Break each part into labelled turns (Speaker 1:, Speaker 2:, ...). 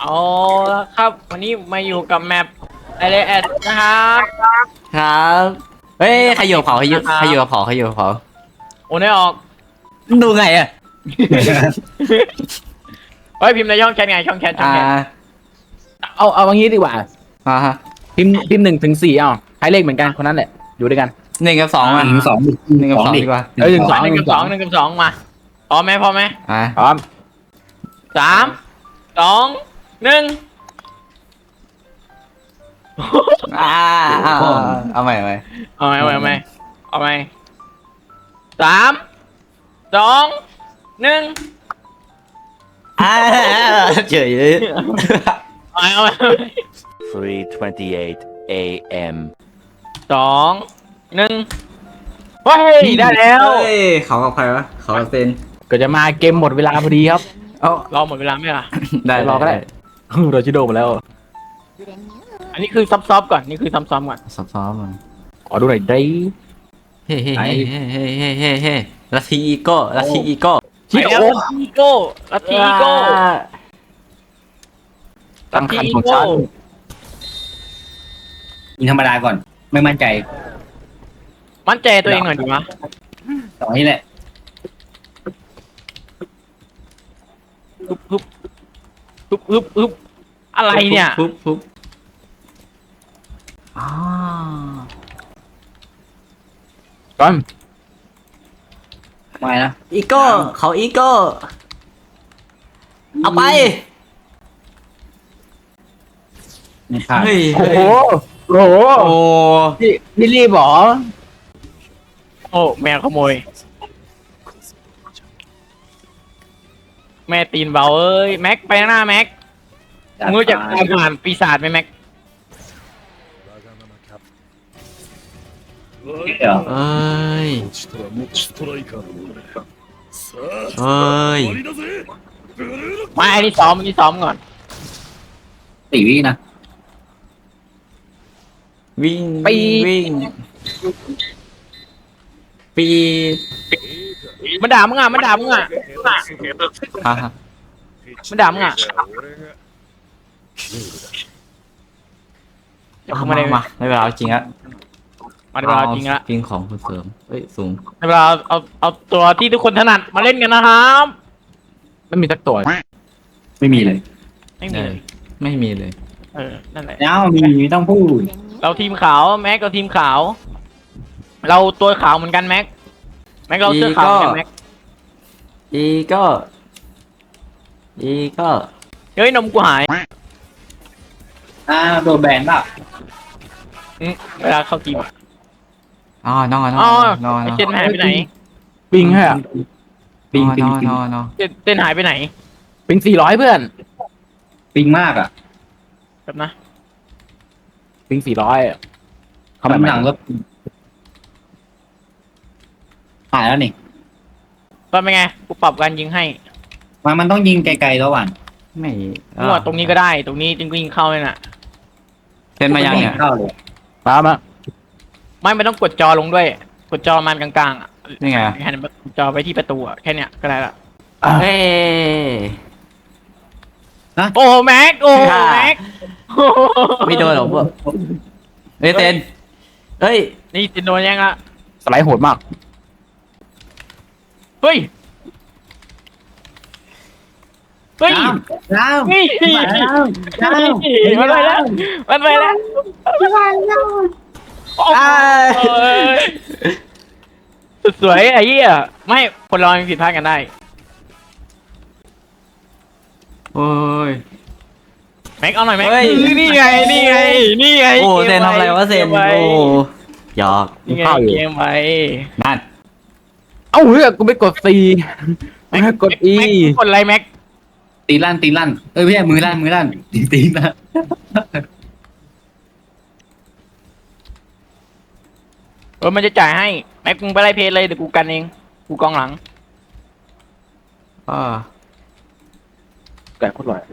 Speaker 1: เอาละครับวันนี้มาอยู่กับแมปไอเลแอดนะครับ
Speaker 2: ครับเฮ้ยใครอยู่กับเผาใครอยู่กับเผาใครอยู่กับเผา
Speaker 1: โอนได้ออก
Speaker 2: ดูไงอะ
Speaker 1: เฮ้ยพิมพ์ในช่องแชทไงช่องแชทช่องแชท
Speaker 3: เอาอย่างนี้ดีกว่า
Speaker 2: ฮะ
Speaker 3: พิมพ์1 ถึง 4ใช้เลขเหมือนกันคนนั้นแหละอยู่ด้วยกัน
Speaker 2: หนึ่งกับสองมา
Speaker 4: 1 2
Speaker 2: หนึ่งกับสองดีกว่า
Speaker 3: หนึ่งสอง
Speaker 1: หนึ่งกับสองหนึ่งกับสองมาพร้อมไหมพร้อมไหม
Speaker 2: อ่ะ
Speaker 3: พร้อม
Speaker 1: 3 2 1
Speaker 2: อ่าเอาใหม่
Speaker 1: เอาไหมเอาไหมเอาไหม3 2 1
Speaker 2: อ่าเฉยเลย
Speaker 1: เอาไหม
Speaker 5: 3:28 a.m.
Speaker 1: 2 1เฮ้ยได้แล้ว
Speaker 2: เฮ้ยเขากับใครวะเขากับเซน
Speaker 3: ก็จะมาเกมหมดเวลาพอดีครับ
Speaker 2: เอ้าร
Speaker 1: อหมดเวลาไหมล่ะ
Speaker 2: ได้
Speaker 3: รอก็ได้ โรชิโดมาแล้ว
Speaker 1: อันนี้คือซับๆก่อนนี่คือซ้ำๆก่อน
Speaker 2: ซ้อมๆมัน
Speaker 3: ขอดูหน่อยได้
Speaker 2: เฮ้ลัทธิอีโก้ลัทธิอีโก้
Speaker 1: ไปแล้วลัทธิอีโก้ลัทธิอีโก้
Speaker 3: ตั้งคันของฉัน
Speaker 4: ยิงธรรมดาก่อน ไม่มั่นใจ
Speaker 1: มั่นใจตัวเองหน่อยดีวะ
Speaker 4: ต่อนี้แหละ
Speaker 1: ฮึบอะไรเนี่ย
Speaker 2: ปุ๊บอ๋อ
Speaker 3: ก่อน
Speaker 4: ไม่นะ
Speaker 2: อีโก้เขาอีโก้เอาไป
Speaker 4: ไม่ผ่าน
Speaker 2: เฮ้ย
Speaker 3: โอ้โหโอ้โห
Speaker 2: โอ้
Speaker 3: พี่รีบเหรอ
Speaker 1: โอ้แมวขโมย แม่ตีนเบาเอ้ยแม็กไปข้างหน้าแม็กมึงรู้จักการผ่านปีศาจไหมแม็ก
Speaker 4: เดี๋ยว
Speaker 2: เอ้ย
Speaker 6: 落ちたらもうストライカーのものださあ
Speaker 2: เอ้ย
Speaker 6: 終わりだぜブルーロック
Speaker 1: ไม่อันนี้ซ้อมอันนี้ซ้อมก่อน
Speaker 4: 4 วินะ
Speaker 2: วิ่งวิ่งปี
Speaker 1: มันด่ามึงอ่ะมันด่ามึงอ่ะ
Speaker 2: ฮะ
Speaker 1: มันด่ามึงอ่ะ
Speaker 6: 俺が
Speaker 1: เดี๋ยวกูไม่ได้
Speaker 2: มาไม่เป็นไรจริงอะ
Speaker 1: มาในเวลาจริงละ
Speaker 2: ปิงของคุณเสริมเอ้ยสูง
Speaker 1: ในเวลาเอาตัวที่ทุกคนถนัดมาเล่นกันนะครับ
Speaker 3: ไม่มีสักตัว
Speaker 4: ไม่มีเลย
Speaker 1: ไม่มีเลย
Speaker 2: ไม่มีเลย
Speaker 1: นั่นแหละ
Speaker 4: แล้วมีไม่ต้องพูด
Speaker 1: เราทีมขาวแม็กเราทีมขาว เราตัวขาวเหมือนกันแม็กเราเสื้อขาวเหมือนกันแม็ก
Speaker 2: อีโก้อีโก้
Speaker 1: เฮ้ยนมกูหาย
Speaker 4: โดนแบนป่ะ
Speaker 1: เวลาเข้าทีม
Speaker 2: อ๋อนอน
Speaker 1: อ๋อน
Speaker 2: อน
Speaker 1: ไอเจนหายไปไหน
Speaker 3: ปิงฮะ
Speaker 4: ปิง
Speaker 2: นอน
Speaker 1: เจนหายไปไหน
Speaker 3: ปิง400เพื่อน
Speaker 4: ปิงมากอ่ะ
Speaker 1: แบบนะ
Speaker 3: ปิง400เขา
Speaker 4: กำ
Speaker 3: ไม่
Speaker 4: ลังก็หายแล้วนี่
Speaker 1: ตอนเป็นไงกูปรับการยิงให้
Speaker 4: มันต้องยิงไกลๆแล้วหวาน
Speaker 2: ไม่
Speaker 1: มั่วตรงนี้ก็ได้ตรงนี้จริงก็ยิงเข้าเลยน่ะ
Speaker 2: เซ็นมายังเนี่ย
Speaker 4: เข้าเลย
Speaker 3: มามา
Speaker 1: ไม่ต้องกดจอลงด้วย กดจอมันกลางๆอ่ะ
Speaker 2: นี่ไง
Speaker 1: หันจอไปที่ประตูอ่ะแค่เนี้ยก็ได้ละ
Speaker 2: เฮ้ย
Speaker 1: โอ้แม็กโอ้แม็ก
Speaker 2: ไม่โดนหรอกพวกเฮ้ยเซนเฮ้ย
Speaker 1: นี่เจนโดนยังละ
Speaker 3: สไลด์โหดมาก
Speaker 1: เฮ้ยเฮ้ย
Speaker 4: น้ำ
Speaker 1: นี่ มันไปแล้วมันไปแล้วโอ้ยสุดสวยไอ้เหี้ยไม่คนเราผิดพลาดกันได้
Speaker 2: โอ้ย
Speaker 1: แม็กเอาหน่อยแม็ก
Speaker 2: เฮ้ย
Speaker 1: นี่ไงนี่ไงนี่ไง
Speaker 2: โอ้เซนทำอะไรวะเซน
Speaker 1: กมไ
Speaker 2: โอ้หยอก
Speaker 1: นี่ไง
Speaker 3: เข้าอยู่
Speaker 1: เกมไป
Speaker 2: นั่น
Speaker 3: เอ้าเฮ้ยกูไม่กด C ไม่ให้กด E
Speaker 1: แม็กกดอะไรแม็ก
Speaker 4: ตีลั่นไม่ใช่มือลั่นตีลั่น
Speaker 1: มันจะจ่ายให้แม็กมึงไปไล่เพจเลยเดี๋ยวกูกันเองกูกองหลัง
Speaker 2: อ่า
Speaker 3: ไก่โคตรอร่อย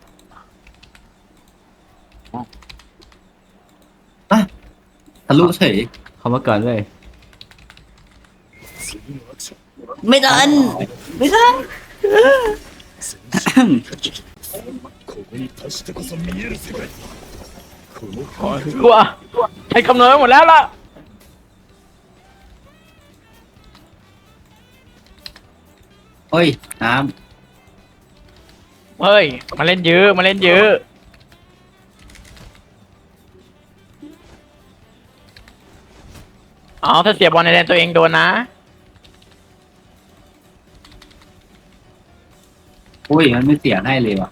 Speaker 4: ทะลุเฉย
Speaker 2: เขามาก่อนเลย
Speaker 6: 次のアクション
Speaker 2: ไม่ทันไม่ทัน
Speaker 6: ここに達してこそ見える世界この
Speaker 1: กลัวใช้คำนวณไว้หมดแล้วล่ะ
Speaker 4: เฮ้ยน้
Speaker 1: เฮ้ยมาเล่นเยอะมาเล่นเยอะเอาถ้าเสียบอลในแดนตัวเองโดนนะ
Speaker 4: ำอุ้ยมันไม่เสียให้เลยว่ะ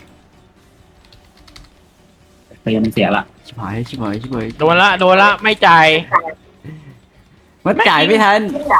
Speaker 4: เตียมันเสียละ
Speaker 2: ชิบหายชิบหายชิบหาย
Speaker 1: โดนละไม่จ่าย
Speaker 2: มันจ่ายไม่ทัน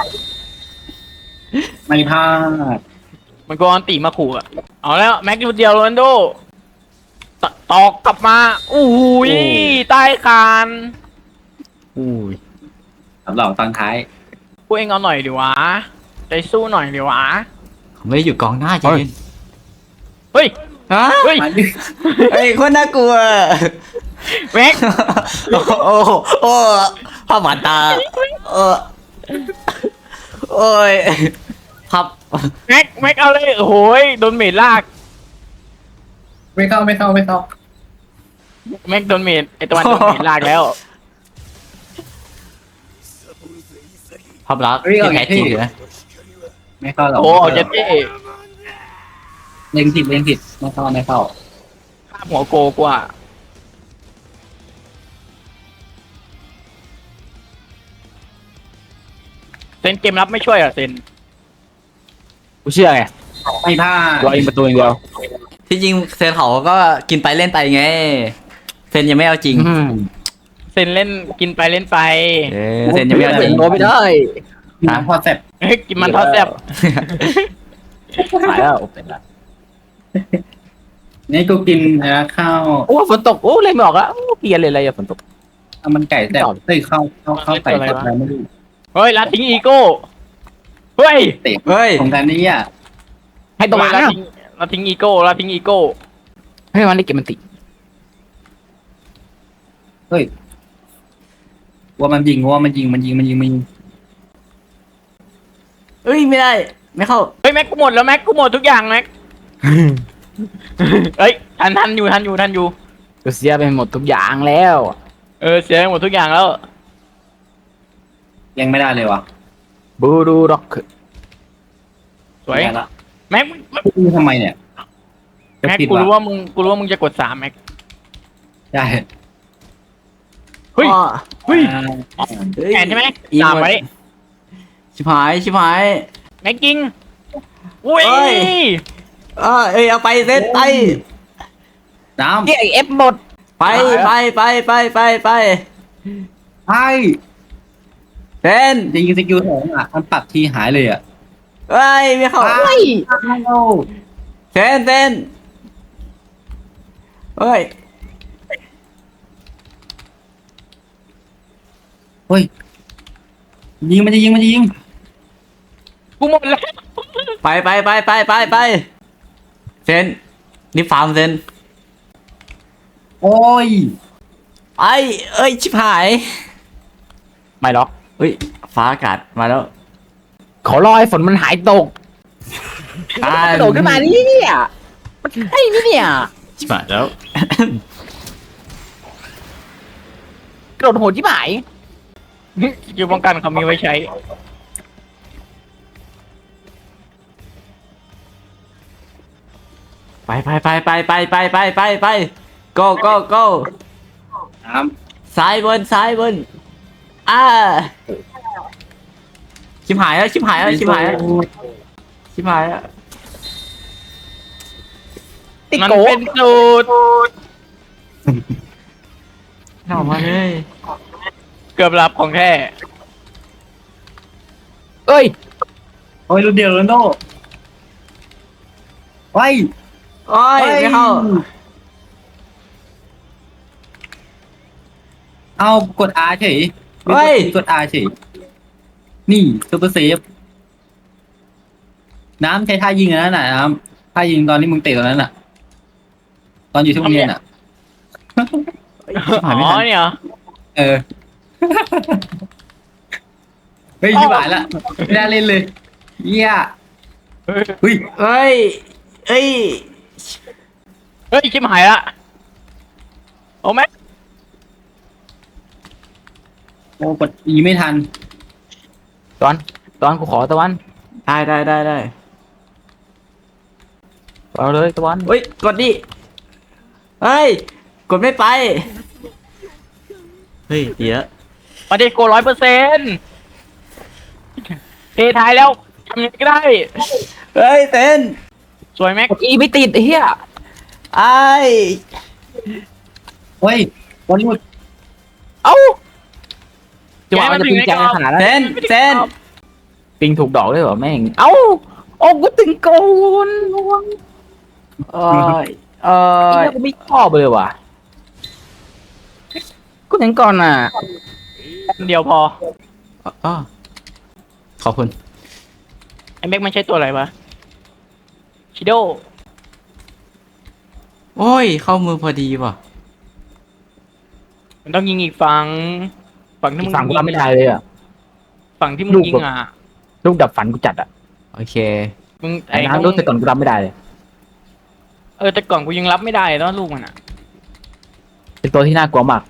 Speaker 4: ไม่พลาด
Speaker 1: มันก็อันตีมาขู่อะเอาแล้วแม็กซ์เดียวโรนัลโดตอกกลับมาอู้หูยใต้คาน
Speaker 2: อุ้ย
Speaker 4: สำหรับตอนท้าย
Speaker 1: พวกเองเอาหน่อยดิวะใจสู้หน่อยดิวะ
Speaker 2: เขาไม่ได้อยู่กองหน้าจริง
Speaker 1: เฮ้ย
Speaker 2: ฮะ
Speaker 1: เฮ้ย
Speaker 4: มาดิ
Speaker 2: เฮ้ยคนน่ากลัว
Speaker 1: แม็ก
Speaker 2: โอ้โหโอ้ภาพหวานตาโอ้ยครับ
Speaker 1: แม็กเอาเลยโอ้โหยโดนเมดลาก
Speaker 4: ไม่เข้า
Speaker 1: แม็กโดนเมดไอตะวันโดนเมดลากแล้ว
Speaker 2: ภาพลักษณ์ที่แท้จริงอยู่นะ
Speaker 4: ไม่เข้าหรอก
Speaker 1: โอ้เจเต้
Speaker 4: เล็งผิดไม่เข้า
Speaker 1: ข้ามหัวโกกว่าเซนเกมรับไม่ช่วยเหรอ่ะเซน
Speaker 3: กูเชื่อไง
Speaker 4: ไม่พลาด
Speaker 3: รอยิงประตูอย่างเดียว
Speaker 2: ที่จริงเซนเขาก็กินไปเล่นไปไงเซนยังไม่เอาจริง
Speaker 1: เซนเล่นกินไปเล่นไป
Speaker 2: เซนยังไม่เอาจริง
Speaker 3: โดนไม่ได้
Speaker 4: น้ำพอแซ่บ
Speaker 1: เฮ้ยกินมันทอดแซ่บ
Speaker 3: หายแล้วเป็นละ
Speaker 4: นี่กูกินข้าว
Speaker 3: โอ้ฝนตกโอ้เลยไม่ออกแล้วเปลี่ยนเลยอะไรอะฝนตก
Speaker 4: เอามันไก่แซ่บเฮ้ยข้าวไก่แซ่บอะไรไม่รู้
Speaker 1: เฮ้ยลาทิ้งอีโก้เฮ้ย
Speaker 4: เตะ
Speaker 2: เฮ้ย
Speaker 4: ของกันนี่อ่ะ
Speaker 3: ให้ตัวมัน
Speaker 1: ลา
Speaker 3: นะ
Speaker 1: ทิ้งอีโก้ลาทิ้งอีโก้
Speaker 3: ให้มันได้เก็บมันติ
Speaker 4: เฮ้ยว่ามันยิง
Speaker 2: เอ้ยไม่ได้ ไม่เข้า
Speaker 1: เฮ้ยแม็กกูหมดแล้วแม็กกูหมดทุกอย่างแม็กเฮ้ยทันอยู่
Speaker 3: กูเสียไปหมดทุกอย่างแล้ว
Speaker 1: เสียไปหมดทุกอย่างแล้ว
Speaker 4: ยังไม่ได้เลยวะ
Speaker 3: บูดูร็อก
Speaker 1: สวย
Speaker 4: ไม่ได้ละ
Speaker 1: แม็ก
Speaker 4: ทำไมเนี่ย
Speaker 1: แม็ก
Speaker 4: ผิด
Speaker 1: กู
Speaker 4: วะ
Speaker 1: รู้ว่ามึงจะกด3แม็ก
Speaker 4: ใช่
Speaker 1: เฮ้ย
Speaker 2: อ้อ
Speaker 1: เฮ้ย
Speaker 4: อ่า
Speaker 1: แขนใช่ไหม
Speaker 2: อีก
Speaker 1: ตาม
Speaker 2: หมด
Speaker 1: ไว้
Speaker 2: ชิบหายชิบหาย
Speaker 1: แม็กยิงอุ้ย
Speaker 2: เอ้ย เอ้ยเอาไปเซนไป
Speaker 4: น้ำ
Speaker 3: เย้เอฟหมด
Speaker 2: ไปไป
Speaker 4: ใช่
Speaker 2: เซน
Speaker 4: จะยิงสกิลสองอ่ะมันปรับทีหายเลยอ่ะ
Speaker 2: เอ้ยไม่เข้า
Speaker 4: เฮ้ย
Speaker 2: เซนเฮ้ย
Speaker 4: เฮ้ยยิงมันจะยิง
Speaker 1: กูหมดแล้ว
Speaker 2: ไปเซนนี่ฟาร์มเซน
Speaker 4: โอ้ย
Speaker 2: เอ้ยชิบหาย
Speaker 3: ไม่หรอก
Speaker 2: เฮ้ยฟ้าอากาศมาแล้ว
Speaker 3: ขอรอให้ฝนมันหายตกตกขึ้นมานี่เนี่ยมันใช่นี่เนี่ย
Speaker 2: ชิบหายแล้ว
Speaker 3: กระโดดโหดที่หมาย
Speaker 1: อยู่ป้องกันเขามีไว้ใช้
Speaker 2: ไป go
Speaker 4: น้
Speaker 2: ซ้ายบนชิบหายแล้ว
Speaker 4: ำ
Speaker 2: ชิบหายแล้ว
Speaker 3: ติด
Speaker 1: มัน
Speaker 3: โก
Speaker 1: เป็นสูตร
Speaker 2: เข้ามาเลย
Speaker 1: เกือบหลับของแท้
Speaker 3: เอ้ย
Speaker 4: โอ้ยรุ่นเดียวโรนลโดไว้
Speaker 2: โอ้ยไม่เข้า
Speaker 4: เอากด R เฉย
Speaker 2: เฮ้ย
Speaker 4: กด R เฉยนี่ซูเปอร์เซฟน้ำใช้ท่ายิงอันนั้นน่ะน้ำท่ายิงตอนที่มึงเตะตอนนั้นน่ะ ตอนอยู่ที่โรงเรียนอ่ะ
Speaker 2: ชิบหายไม่
Speaker 1: อ๋อ
Speaker 2: ทัน
Speaker 1: เนี่ยเหรอ
Speaker 4: เออ เฮ้ยชิบหายละไม่ได้เล่นเลยเยี่ย
Speaker 1: เฮ้ย
Speaker 4: เฮ้ย
Speaker 2: เอ้ย
Speaker 1: เฮ้ยชิบหายละโอ้แม็ก
Speaker 4: โอ้กดอีไม่ทัน
Speaker 3: ตอนกูขอตะวัน
Speaker 2: ได้
Speaker 3: เอาเลยตะวัน
Speaker 2: เฮ้ยกดดิเฮ้ยกดไม่ไปเฮ้ยเดี๋ยว
Speaker 1: มาดิโก100%เทท้ายแล้วทำยังไงก็ได้
Speaker 2: เฮ้ยเต้น
Speaker 1: สวยแม็ก
Speaker 3: กดอีไม่ติดไอ้เหี้ย
Speaker 2: ไอ้
Speaker 4: เฮ้ยวันนี้
Speaker 3: เอ้าจะว่ามันจะปิงจังขนาดนั้น
Speaker 2: เต้น
Speaker 3: ปิงถูกดอกด้วยเหรอแม่งเอ้าโอ้กูถึงโกน
Speaker 2: เอ้ยเอ้
Speaker 3: ไอ้
Speaker 2: ย
Speaker 3: เหี้ยกูไม่ชอบเลยว่ะกูถึงก่อนอ่ะ
Speaker 1: เดียวพอ
Speaker 2: อ๋อขอบคุณ
Speaker 1: ไอ้แม็กมันใช้ตัวอะไรวะชิโด
Speaker 2: โอ้ยเข้ามือพอดีว่ะ
Speaker 1: มันต้องยิงอีกฝั่งที่
Speaker 3: อี
Speaker 1: มึ
Speaker 3: ก
Speaker 1: ง
Speaker 3: ฝั่งกู
Speaker 1: ยิ
Speaker 3: รับไม่ได้เลยอ่ะ
Speaker 1: ฝั่งที่มึง
Speaker 3: ลูก
Speaker 1: ยิง
Speaker 3: แบบ
Speaker 1: อ่ะ
Speaker 3: ลูกดับฝันกูจัดอ่ะ
Speaker 2: โอเค
Speaker 1: มึง
Speaker 3: ไอ้
Speaker 1: ต้
Speaker 3: น้ำรู้แต่ก่อนกูรับไม่ได้เลย
Speaker 1: แต่ก่อนกูยังรับไม่ได้เนาะลูกมันอ่ะ
Speaker 3: เป็นตัวที่น่ากลัวมาก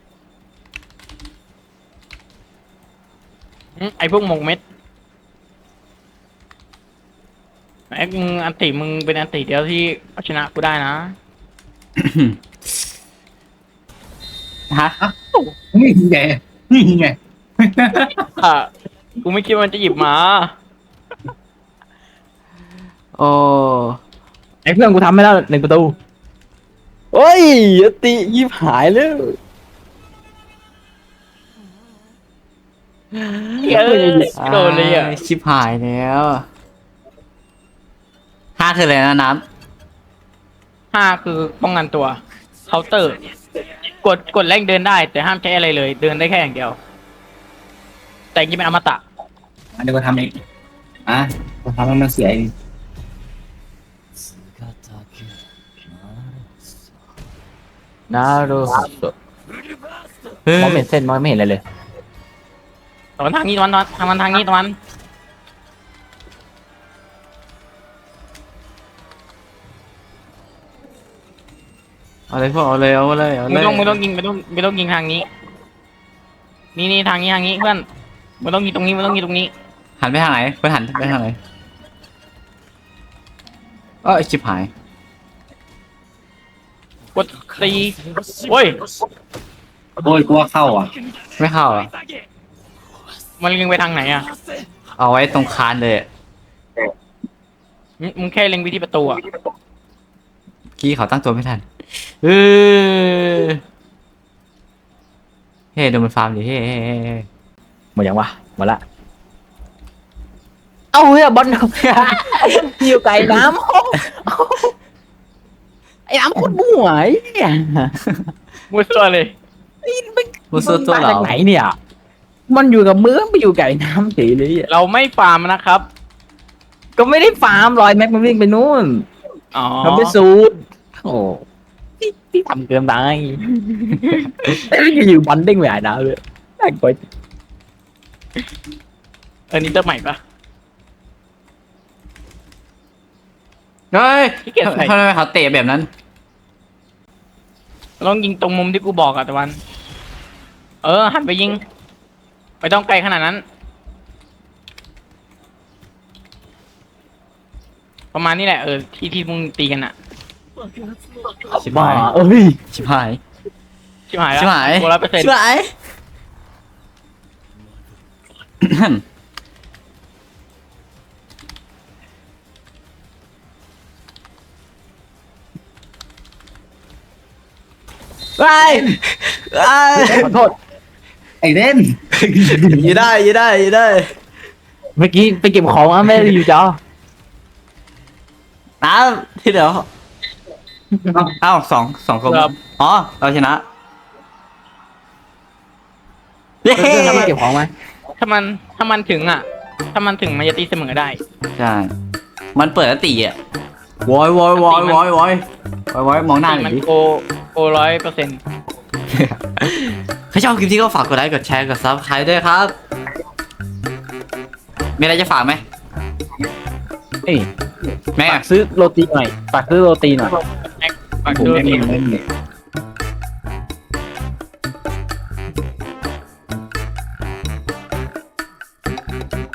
Speaker 1: ไอ้พวกหมกเม็ดไอ้มึงอันติมึงเป็นอันติเดียวที่เอาชนะกูได้นะ
Speaker 2: ฮะ
Speaker 4: นี่ไงนี่ไง
Speaker 1: อ่ะกูไม่คิดว่ามันจะหยิบมา
Speaker 2: โอ้
Speaker 3: ไอ้เพื่อนกูทำไม่ได้1 ประตูโอ้ยอติยิบหายเลย
Speaker 1: โดนเลยอ่ะ
Speaker 2: ชิบหายแล้ว5คืออะไรนะน้
Speaker 1: 5คือป้องกันตัวเคาน์เตอร์ กดแรงเดินได้ แต่ห้ามใช้อะไรเลย เดินได้แค่อย่างเดียว แต่ยังเป็นอมตะ
Speaker 4: เดี๋ยวก็ทำเองกูทำให้มันเสียเอง
Speaker 3: นารูโตะ
Speaker 2: ำเฮ้ย
Speaker 3: มองไม่เห็นเส้นมองไม่เห็นอะไรเลย
Speaker 1: ตอนทางนี้ตอนทางมันทางนี้ตอน
Speaker 2: เอาเลยพวกเอาเลย
Speaker 1: ไม่
Speaker 2: เลย
Speaker 1: ต้องยิงไม่ต้องยิงทางนี้ นี่ทางนี้เพื่อนไม่ต้องยิงตรงนี้ไม่ต้องยิงตรงนี้
Speaker 2: หันไปทางไหนไปหันไปทางไหนชิบหาย
Speaker 1: กดตีโอ้ย
Speaker 4: โอ้ยกูว่าเข้าอ่ะ
Speaker 2: ไม่เข้าอ่ะ
Speaker 1: มันเล็งไปทางไหนอ่ะ
Speaker 2: เอาไว้ตรงคานเลยอะ
Speaker 1: มึงแค่เล็งไปที่ประตูอ่ะ
Speaker 2: กี้เขาตั้งตัวไม่ทันเฮ้ดูมันฟาร์มดิเฮ้
Speaker 3: หมดยังวะหมดละเอาเฮ้ยบอลอยู่ไกลน้ำไอ้น้ำโคตรมั่วไอ้เนี่ย
Speaker 1: มัวซัวเลย
Speaker 2: มูซูตัว
Speaker 3: มา
Speaker 2: เหร
Speaker 3: จาก
Speaker 2: อ
Speaker 3: ไหนเนี่ย มันอยู่กับมือไปอยู่ไก่น้ำเฉยเลยอะ
Speaker 1: เราไม่ฟาร์มนะครับ
Speaker 3: ก็ไม่ได้ฟาร์มลอยแม็กมันวิ่งไปนู่น
Speaker 1: อ๋อ
Speaker 3: มันไปสูดโอ้ที่ทำเกินไปอยู่บอลเด้งไปหายน้ำเลยน่ากลัว
Speaker 1: นี่เติมใหม่ปะ
Speaker 2: เฮ้ย
Speaker 1: ขี้เกียจใส่
Speaker 2: ทำไมเขาเตะแบบนั้น
Speaker 1: ลองยิงตรงมุมที่กูบอกอะตะวัน หันไปยิงไม่ต้องไกลขนาดนั้น ประมาณนี้แหละที่มึงตีกันอะ
Speaker 2: ชิบ
Speaker 3: บ้า
Speaker 2: หาย
Speaker 3: เอ้ย
Speaker 2: ชิบหาย
Speaker 1: ชิบหายแล้ว
Speaker 2: ชิบหาย
Speaker 1: 100%
Speaker 2: ชิบหายไป
Speaker 3: ขอโทษ
Speaker 4: ไอ้เล่น
Speaker 2: ยืดได้
Speaker 3: เมื่อกี้ไปเก็บของอ่ะไม่ได้อยู่จอ
Speaker 2: น้ำที่เหลือเอ้าสองคน
Speaker 1: ครับ
Speaker 2: อ๋อเราชนะเย้
Speaker 3: เพื่อนๆไปเก็บของไหม
Speaker 1: ถ้ามันถึงอะถ้ามันถึงมันจะตีเสมอได้
Speaker 2: ใช่มันเปิดแล้วตีอ่ะวอยวอยมองหน้าหน่
Speaker 1: มั
Speaker 2: อน ยดิ
Speaker 1: โก100%
Speaker 2: ถ้าชอบคลิปที่ก็ฝากกดไลค์กดแชร์กดซับสไครต์ด้วยครับ มีอะไรจะฝากไหม
Speaker 3: เอ้ย
Speaker 2: แม่
Speaker 3: ฝากซื้อโรตีหน่อยฝากซื้อโรตีหน่อย
Speaker 1: ฝั่ง
Speaker 4: ผม
Speaker 1: ตัว
Speaker 4: ไม่
Speaker 1: ติ
Speaker 4: มีไม่มี
Speaker 1: เ